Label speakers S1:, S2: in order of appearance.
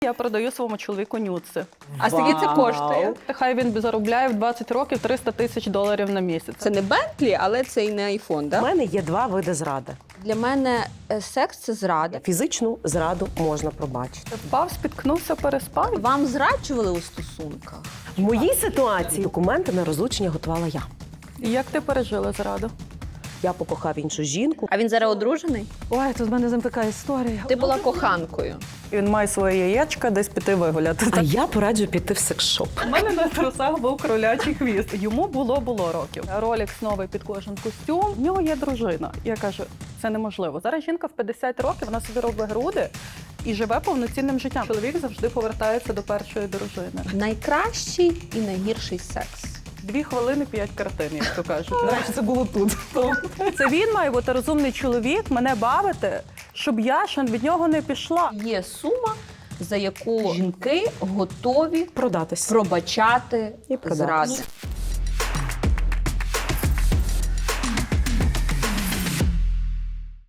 S1: Я продаю своєму чоловіку нюци.
S2: А скільки це коштує?
S1: Хай він заробляє в 20 років $300 тисяч на місяць.
S2: Це не Бентлі, але це і не айфон,
S3: У
S2: так?
S3: мене є два види зради.
S2: Для мене секс – це зрада.
S3: Фізичну зраду можна пробачити.
S1: Впав, спіткнувся, переспав.
S2: Вам зраджували у стосунках?
S3: В моїй ситуації документи на розлучення готувала я.
S1: Як ти пережила зраду?
S3: Я покохав іншу жінку.
S2: А він зараз одружений?
S1: Ой, тут в мене з ним така історія.
S2: Ти була коханкою.
S1: Він має своє яєчка десь піти вигуляти.
S3: А я пораджу піти в секс-шоп.
S1: У мене на трусах був кролячий хвіст. Йому було років. Ролікс новий під кожен костюм. В нього є дружина. Я кажу, це неможливо. Зараз жінка в 50 років, вона собі робить груди і живе повноцінним життям. Чоловік завжди повертається до першої дружини.
S2: Найкращий і найгірший секс.
S1: 2 хвилини 5 картин, як то кажуть. До речі, це було тут. Це він має бути розумний чоловік, мене бавити, щоб я ще від нього не пішла.
S2: Є сума, за яку жінки готові
S3: Продатись.
S2: пробачати
S3: І продатись.
S2: зради.